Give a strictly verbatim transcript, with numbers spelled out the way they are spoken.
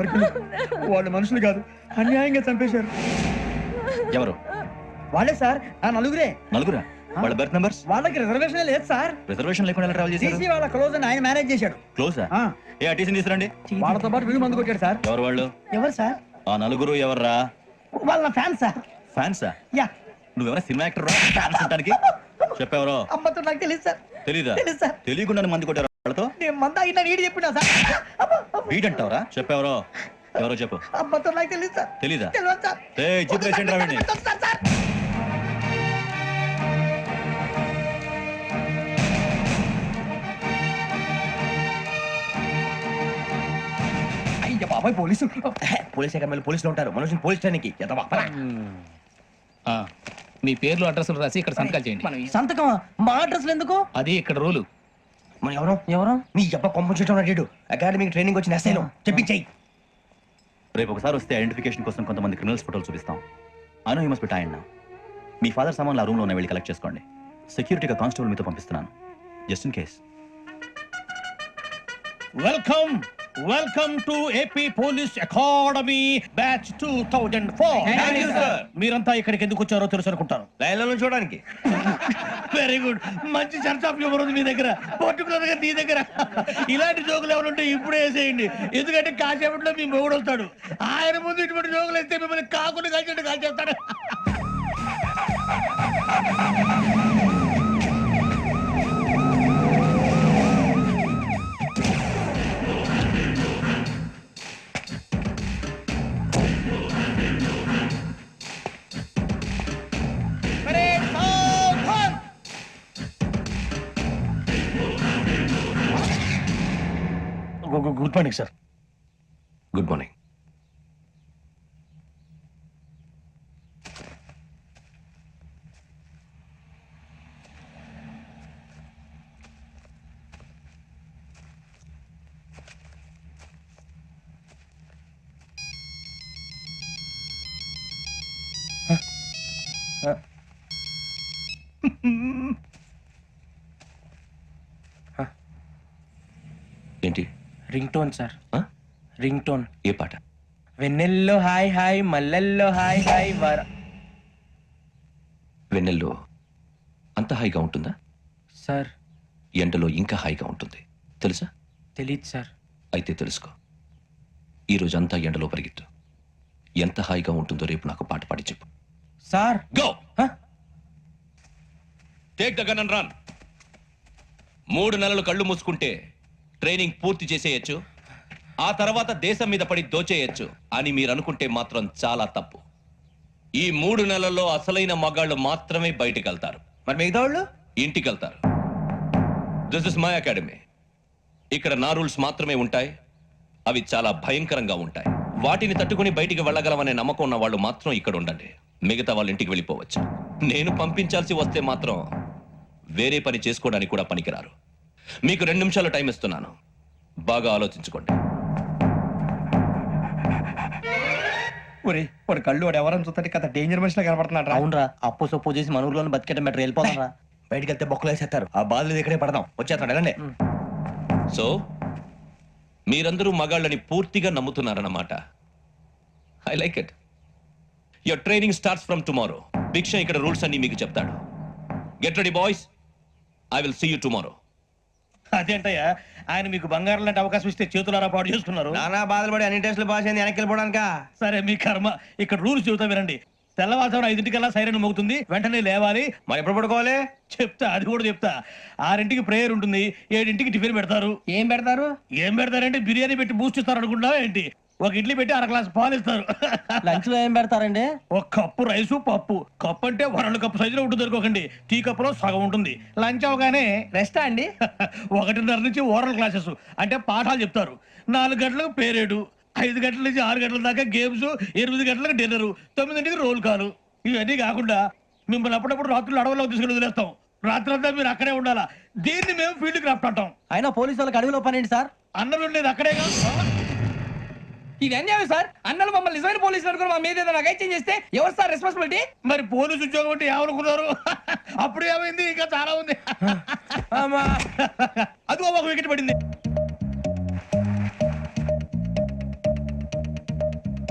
ఎవరికి వాళ్ళు మనుషులు కాదు, అన్యాయంగా చంపేశారు. ఎవరు? వాళ్ళే సార్, ఆ నలుగురే. నలుగురా? వాళ్ళ బర్త్ నంబర్స్? వాళ్ళకి రిజర్వేషన్ లేదు సార్. రిజర్వేషన్ లేకుండా ట్రావెల్ చేశారు? టీసీ వాళ్ళ క్లోజ్ అని ఆయన మేనేజ్ చేశాడు. క్లోజా? ఏ టీసీ తీసుకురండి. వాళ్ళతో పాటు వీడు మందు కొట్టాడు సార్. ఎవరు వాళ్ళు? ఎవరు సార్? ఆ నలుగురు ఎవర్రా? వాళ్ళ ఫ్యాన్స్ సార్. ఫ్యాన్సా? యా. నువ్వెవరా సినిమా యాక్టర్ రా ఫ్యాన్స్ అంటానికి? చెప్పెవరో? అమ్మతో నాకు తెలియదు సార్. తెలీదా? తెలుసు సార్. తెలియకుండా మంది కొట్టారు వాళ్ళతో? నేను మంద అయినా నీడి చెప్పినా సార్. వీడంటావరా? చెప్పెవరో? ఎవరో చెప్పు. అమ్మతో నాకు తెలియదు సార్. తెలీదా? తెలియదు సార్. ఏయ్ జీప్ రేషన్ రావండి. అయ్య బాబాయ్ పోలీసు. పోలీస్ అకాడమీలో పోలీసులు ఉంటారు, మనుషులు పోలీస్ స్టేషన్కి. మీ పేర్లు అడ్రస్లు రాసి ఇక్కడ సంతకాలు చేయండి. సంతకం మా అడ్రస్లు ఎందుకు? అది ఇక్కడ రూలు. మన ఎవరు ఎవరు? నీ అబ్బా కొంపం అడిగాడు. అకాడమీకి ట్రైనింగ్ వచ్చిన ఎస్ఐలో చెప్పించాయి. రేపు ఒకసారి వస్తే ఐడెంటిఫికేషన్ కోసం కొంతమంది క్రిమినల్స్ ఫోటోలు చూపిస్తాం. Anu you must be tired now. మీ ఫాదర్ సామాన్లు ఆ రూమ్లో ఉన్న వెళ్ళి కలెక్ట్ చేసుకోండి. సెక్యూరిటీగా కానిస్టేబుల్ మీతో పంపిస్తున్నాను, just in case. Welcome welcome to AP police academy batch two thousand four. మీరంతా ఇక్కడికి ఎందుకు వచ్చారో తెలుసు అనుకుంటాను. లైన్లో చూడడానికి. వెరీ గుడ్, మంచి చర్చ ఆఫ్ హ్యూమర్ ఉంది మీ దగ్గర, పర్టికులర్ గా నీ దగ్గర. ఇలాంటి జోకులు ఎవరు ఉంటే ఇప్పుడే వేసేయండి, ఎందుకంటే కాసేపట్లో మీ మొగుడు వస్తాడు. ఆయన ముందు ఇటువంటి జోకులు వేస్తే మిమ్మల్ని కాకుండా కాల్చేట్టు కాల్చేస్తాడు. Good morning sir. Good morning. ఏంటి? Ring tone sir. Ring tone. ఏ పాట? వెన్నెల్లో హాయ్ హాయ్, మల్లెల్లో హాయ్ హాయ్ వర. వెన్నెల్లో అంత హాయిగా ఉంటుందా సార్? ఎండలో ఇంకా హాయిగా ఉంటుంది తెలుసా? తెలీదు సార్. అయితే తెలుసుకో. ఈరోజు అంతా ఎండలో పరిగెత్తు. ఎంత హాయిగా ఉంటుందో రేపు నాకు పాట పాడి చెప్పు. Sir go. Take the gun and run. మూడు నెలలు కళ్ళు మూసుకుంటే ట్రైనింగ్ పూర్తి చేసేయచ్చు, ఆ తర్వాత దేశం మీద పడి దోచేయచ్చు అని మీరు అనుకుంటే మాత్రం చాలా తప్పు. ఈ మూడు నెలల్లో అసలైన మగాళ్ళు మాత్రమే బయటికి వెళ్తారు. మరి మిగతా వాళ్ళు ఇంటికి వెళ్తారు. This is my academy. ఇక్కడ నా రూల్స్ మాత్రమే ఉంటాయి, అవి చాలా భయంకరంగా ఉంటాయి. వాటిని తట్టుకుని బయటికి వెళ్ళగలమనే నమ్మకం ఉన్న వాళ్ళు మాత్రం ఇక్కడ ఉండండి, మిగతా వాళ్ళు ఇంటికి వెళ్ళిపోవచ్చు. నేను పంపించాల్సి వస్తే మాత్రం వేరే పని చేసుకోవడానికి కూడా పనికిరారు. మీకు రెండు నిమిషాలు టైం ఇస్తున్నాను, బాగా ఆలోచించుకోండి. ఒరే వాడు కళ్ళు వాడు ఎవరైనా చూస్తే కదా డేంజర్ మనిషిలో కనపడుతున్నాడు. అవునరా, అప్పు సొప్పు చేసి మన ఊర్లో బతికేట మెట్రో వెళ్ళిపోతాం రా. బయటికి వెళ్తే బొక్కలు వేసేస్తారు. ఆ బాధలు ఇక్కడే పడదాం. వచ్చేస్తాడు వెళ్ళండి. సో మీరందరూ మగాళ్ళని పూర్తిగా నమ్ముతున్నారన్నమాట. I like it. Your training starts from tomorrow. Bhiksha ఇక్కడ రూల్స్ అన్ని మీకు చెప్తాడు. Get ready boys, I will see you tomorrow. అదేంటయ్యా, ఆయన మీకు బంగారం లాంటి అవకాశం ఇస్తే చేతులారా పాటు చేసుకున్నారు. నానా బాధలు పడి అన్ని టెస్టులు పాస్ అయింది, వెనక్కి వెళ్ళిపోవడానికా? సరే మీ కర్మ. ఇక్కడ రూల్స్ చెబుతా వినండి. తెల్లవారుజామున ఐదింటికల్లా సైరన్ మోగుతుంది, వెంటనే లేవాలి. మరి ఎప్పుడు పడుకోవాలి? చెప్తా, అది కూడా చెప్తా. ఆరింటికి ప్రేయర్ ఉంటుంది, ఏడింటికి టిఫిన్ పెడతారు. ఏం పెడతారు? ఏం పెడతారంటే బిర్యానీ పెట్టి బూస్ట్ ఇస్తారు అనుకుంటావా ఏంటి? ఒక ఇడ్లీ పెట్టి అర గ్లాస్ పాలు ఇస్తారు. లంచ్ లో ఏం పెడతారండి? ఒక కప్పు రైసు పప్పు. కప్పు అంటే వరల్డ్ కప్పు సైజులో ఉంటుంది అనుకోకండి, టీ కప్పులో సగం ఉంటుంది. లంచ్ అవగానే రెస్టా అండి? ఒకటిన్నర నుంచి ఓరల్ క్లాసెస్ అంటే పాఠాలు చెప్తారు. నాలుగు గంటలకు పేరేడు, ఐదు గంటల నుంచి ఆరు గంటల దాకా గేమ్స్, ఎనిమిది గంటలకు డిన్నర్, తొమ్మిదింటికి రోల్ కాలు. ఇవన్నీ కాకుండా మిమ్మల్ని అప్పుడప్పుడు రాత్రులు అడవుల్లో తీసుకుని వదిలేస్తాం. రాత్రి అంతా మీరు అక్కడే ఉండాలా. దీన్ని మేము ఫీల్డ్ క్రాఫ్ట్ అంటాం. అయినా పోలీసు వాళ్ళకి అడవిలో పని ఏంటి సార్? అన్నం ఉండేది అక్కడేగా. ఇది అన్యాయం సార్. అన్నలు మమ్మల్ని నిజమైన పోలీసులు అనుకుని మా మీద ఏదైనా అగైత్యం చేస్తే ఎవరు సార్ రెస్పాన్సిబిలిటీ? మరి పోలీసు ఉద్యోగం అంటే ఏమనుకున్నారు? అప్పుడు ఏమైంది, ఇంకా చాలా ఉంది. అదిగో ఒక వికెట్ పడింది.